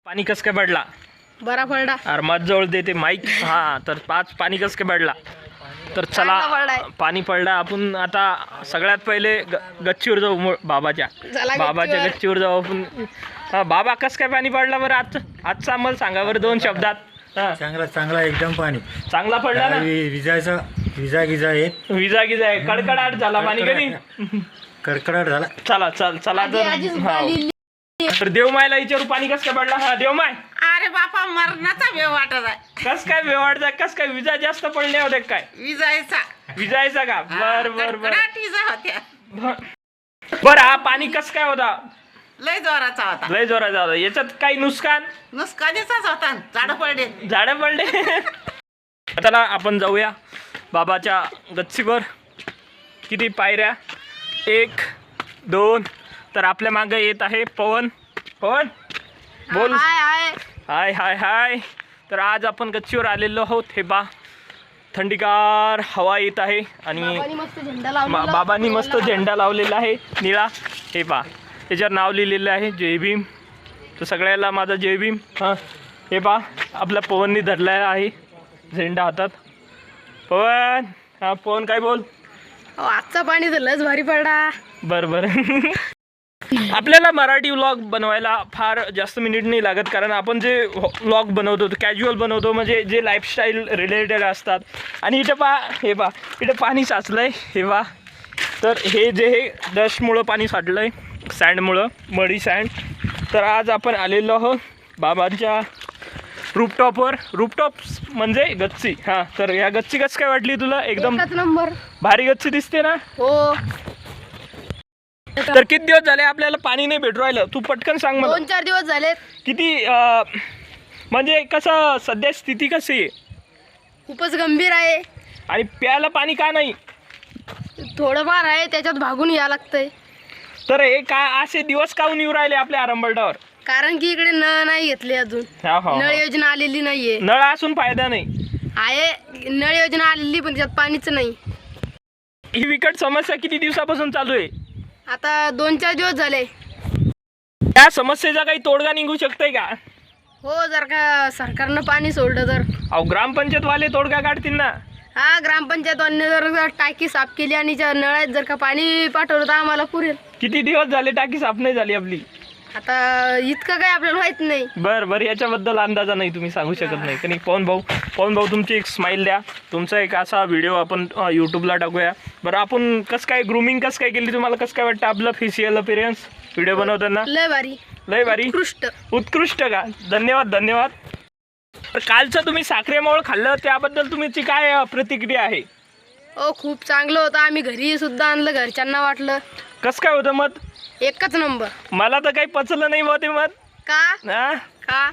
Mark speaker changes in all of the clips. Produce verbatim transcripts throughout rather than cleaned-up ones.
Speaker 1: पाणी कस काय पडला?
Speaker 2: बरा पडला.
Speaker 1: अरे मत जवळ देते माईक. हा तर पाच पाणी कस काय पडला? तर चला पाणी पडला. आपण आता सगळ्यात पहिले गच्चीवर जाऊ. मु- बाबाच्या बाबाच्या गच्चीवर जाऊ आपण. हा बाबा कस काय पाणी पडला बरं आज? आजचा आम्हाला सांगा बरं दोन शब्दात. हा
Speaker 3: चांगला चांगला एकदम पाणी
Speaker 1: चांगला पडला ना.
Speaker 3: वि- विजाचा विजा गिजा येत
Speaker 1: विजा गिजा आहे. कडकडाट झाला पाणी कधी.
Speaker 3: कडकडाट झाला.
Speaker 1: चला चल चला तर हा. तर देवमायला विचारू पाणी कस काय पडला? हा देवमाय
Speaker 2: अरे बापा मरणाचा वेळ वाटत आहे.
Speaker 1: कस काय वेवाडचा कस काय विजा जास्त पडले होते काय?
Speaker 2: विजायचा
Speaker 1: विजायचा का? बर बर बर
Speaker 2: कडकडाट विजा होत्या.
Speaker 1: बर हा पाणी कस काय होता?
Speaker 2: लय जोराचा होता.
Speaker 1: लय जोराचा होता. याच्यात काही नुकसान?
Speaker 2: नुसकानीचाच होता. झाडं पडले.
Speaker 1: झाडं पडले. आता आपण जाऊया बाबाच्या गच्चीवर. किती पायऱ्या? एक दोन. तर आपल्या मागे येत आहे पवन. पवन बोल.
Speaker 2: हाय हाय
Speaker 1: हाय हाय हाय. तर आज आपण गच्चीवर आलेलो आहोत. हे बा थंडीगार हवा येत आहे आणि
Speaker 2: मस्त झेंडा
Speaker 1: मा-
Speaker 2: लावला.
Speaker 1: बाबांनी मस्त झेंडा लावलेला आहे निळा. हे पा त्याच्यावर नाव लिहिलेलं आहे जय भीम. तर सगळ्याला माझा जय भीम. हां हे पा आपल्या पवननी धरलेला आहे झेंडा हातात. पवन हां पवन काय बोल.
Speaker 2: अहो, आजचा पाणी तर लयच भारी पडला.
Speaker 1: बरं बरं. आपल्याला मराठी व्लॉग बनवायला फार जास्त मिनिट नाही लागत, कारण आपण जे व्लॉग बनवतो कॅज्युअल बनवतो, म्हणजे जे लाईफस्टाईल रिलेटेड असतात. आणि इथं पा हे पा इथं पाणी साचलं आहे. हे पा तर हे जे हे डस्टमुळं पाणी साठलं आहे, सँडमुळं, मडी सँड. तर आज आपण आलेलो आहोत बाबांच्या रूपटॉपवर. रूपटॉप म्हणजे गच्ची. हां तर या गच्ची कसं काय वाटली तुला? एकदम
Speaker 2: एकच नंबर.
Speaker 1: भारी गच्ची दिसते ना.
Speaker 2: हो.
Speaker 1: तर किती दिवस झाले आपल्याला पाणी नाही भेटू राहिलं? तू पटकन सांग मला.
Speaker 2: दोन चार दिवस झालेत.
Speaker 1: किती अं, म्हणजे कसं सध्या स्थिती कशी आहे?
Speaker 2: खूपच गंभीर आहे.
Speaker 1: आणि प्यायला पाणी का नाही?
Speaker 2: थोडंफार आहे, त्याच्यात भागून यावं लागतंय.
Speaker 1: तर हे का असे दिवस काहून येऊ राहिले आपल्या आरंबलटावर?
Speaker 2: कारण की इकडे नळ नाही घेतले अजून.
Speaker 1: हा हा
Speaker 2: नळ योजना आलेली नाहीये.
Speaker 1: नळ असून फायदा नाही.
Speaker 2: आहे नळ योजना आलेली, पण त्याच्यात पाणीच नाही.
Speaker 1: ही विकट समस्या किती दिवसापासून चालू आहे?
Speaker 2: आता दोन चार दिवस झाले.
Speaker 1: त्या समस्येचा काही तोडगा निघू शकतोय का?
Speaker 2: हो, जर का सरकारनं पाणी सोडलं तर.
Speaker 1: अहो ग्रामपंचायत वाले तोडगा काढतील ना.
Speaker 2: हा, ग्रामपंचायतवाल्याने जर जर टाकी साफ केली आणि ज्या नळात जर का पाणी पाठवलं तर आम्हाला पुरेल.
Speaker 1: किती दिवस झाले टाकी साफ नाही झाली आपली?
Speaker 2: आता इतकं काय आपल्याला माहित नाही.
Speaker 1: बरं बरं याच्याबद्दल अंदाजा नाही, तुम्ही सांगू शकत नाही. कारण पवन भाऊ पवन भाऊ तुमची एक स्माईल द्या. तुमचा एक असा व्हिडिओ आपण यूट्यूबला टाकूया. बरं आपण कसं काय ग्रूमिंग कसं काय केली? तुम्हाला कसं काय वाटतं आपलं फेशियल अपीअरन्स व्हिडिओ बनवताना?
Speaker 2: लय भारी.
Speaker 1: लय भारी.
Speaker 2: उत्कृष्ट.
Speaker 1: उत्कृष्ट का? धन्यवाद धन्यवाद. तर कालचं तुम्ही साखरेमोळ खाल्लं त्याबद्दल तुमची काय अं, प्रतिक्रिया आहे?
Speaker 2: हो, खूप चांगलं होतं. आम्ही घरी सुद्धा आणलं, घरच्यांना वाटलं.
Speaker 1: कसं काय होतं मत?
Speaker 2: एकच नंबर.
Speaker 1: मला तर काही पचलं नाही बा ते मत.
Speaker 2: का
Speaker 1: हा
Speaker 2: का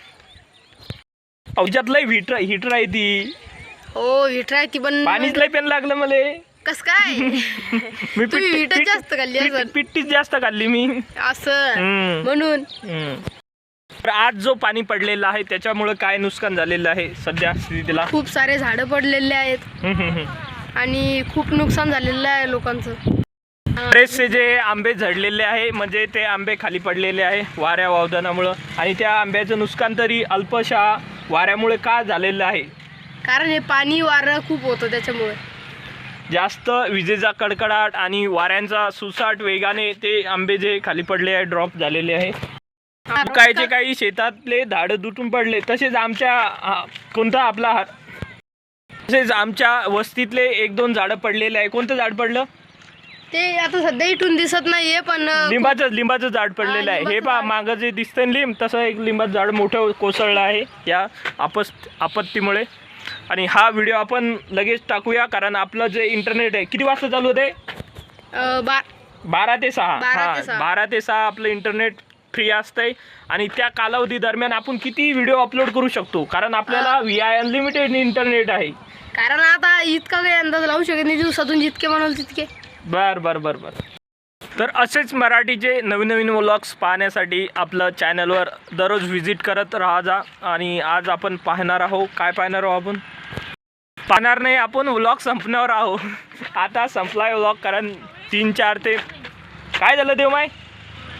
Speaker 1: औषधात लय हिटर हिटर आहे ती.
Speaker 2: हो, विठराय ती पण.
Speaker 1: पाणीच लय पेन लागलं मला.
Speaker 2: कस काय?
Speaker 1: मी
Speaker 2: तुम्ही विटच जास्त खाल्ली असेल.
Speaker 1: पिट्टीच जास्त खाल्ली मी.
Speaker 2: असं
Speaker 1: हम्म.
Speaker 2: म्हणून.
Speaker 1: हम्म. तर आज जो पाणी पडलेलं आहे त्याच्यामुळे काय नुकसान झालेलं आहे सध्या स्थितीला?
Speaker 2: खूप सारे झाडं पडलेले आहेत
Speaker 1: हम्म, हम्म, हम्म.
Speaker 2: आणि खूप नुकसान झालेलं आहे लोकांचं.
Speaker 1: बरेचसे जे आंबे झडलेले आहे, म्हणजे ते आंबे खाली पडलेले आहे वाऱ्या वावदानामुळं. आणि त्या आंब्याचं नुकसान तरी अल्पशा वाऱ्यामुळे का झालेलं आहे?
Speaker 2: कारण हे पाणी वारं खूप होतं त्याच्यामुळे.
Speaker 1: जास्त विजेचा कडकडाट आणि वाऱ्यांचा सुसाट वेगाने ते आंबे जे खाली पडले आहे ड्रॉप झालेले आहे. कायचे काही शेतातले झाडं तुटून पडले. तसेच आमच्या हा, कोणता आपला हा तसेच आमच्या वस्तीतले एक दोन झाडं पडलेले आहे. कोणतं झाड पडलं?
Speaker 2: ते आता सध्या इथून दिसत नाहीये, पण
Speaker 1: लिंबाचं लिंबाचं झाड पडलेलं आहे. हे
Speaker 2: लिंबाचं
Speaker 1: पहा
Speaker 2: झाड.
Speaker 1: मागं जे दिसतंय ना लिंब, तसं एक लिंबाचं झाड मोठं कोसळलं आहे या आपस आपत्तीमुळे. आणि हा व्हिडिओ आपण लगेच टाकूया, कारण आपलं जे इंटरनेट आहे किती वाजता चालू होते?
Speaker 2: अं, बा
Speaker 1: बारा ते सहा.
Speaker 2: बारा ते
Speaker 1: हां
Speaker 2: सहा.
Speaker 1: बारा ते सहा आपलं इंटरनेट फ्री असतंय. आणि त्या कालावधी दरम्यान आपण किती व्हिडिओ अपलोड करू शकतो, कारण आपल्याला व्ही आय अनलिमिटेड इंटरनेट आहे.
Speaker 2: कारण आता इतका काही अंदाज लावू शकत नाही. दिवसातून जितके म्हणाल तितके.
Speaker 1: बर बर बर बर. तर असेच मराठीचे नवीन नवीन व्लॉग्स पाहण्यासाठी आपलं चॅनलवर दररोज व्हिजिट करत राहा जा. आणि आज आपण पाहणार आहोत, काय पाहणार आहोत आपण? पाहणार नाही आपण, व्लॉग संपण्यावर आहोत. आता संपलाय व्लॉग, कारण तीन चार ते काय झालं देवमाय?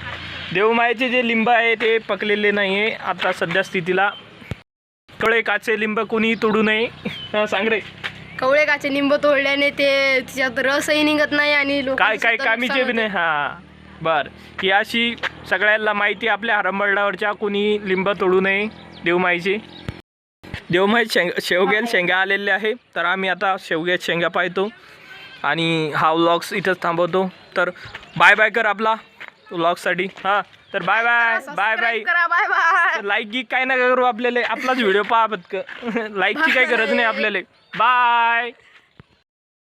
Speaker 1: देवमायेचे जे लिंब आहे ते पकलेले नाही आहे आता सध्या स्थितीला. कवळे काचे लिंब कोणी तोडू नये. हा, सांग रे.
Speaker 2: कवळे काचे लिंब तोडल्याने ते तिच्यात रसही निघत नाही आणि लोकांचं
Speaker 1: काय काय
Speaker 2: सुद्धा
Speaker 1: कामीचे
Speaker 2: नुकसान
Speaker 1: बी नाही. हा बर, ही अशी सगळ्यांना माहिती आपल्या हरंबळडावरच्या कोणी लिंब तोडू नये देवमाईची. देवमाई शेंग शेवग्यात शेंगा आलेले आहे, तर आम्ही आता शेवग्यात शेंगा पाहतो आणि हा व्लॉग्स इथंच थांबवतो. तर बाय बाय कर आपला व्लॉगसाठी. हां, तर बाय बाय बाय बाय.
Speaker 2: करा. Bye bye.
Speaker 1: लाईक गी काय नका करू आपल्याला, आपलाच व्हिडिओ पहा पत्क. लाईकची काही गरज नाही आपल्याला. बाय.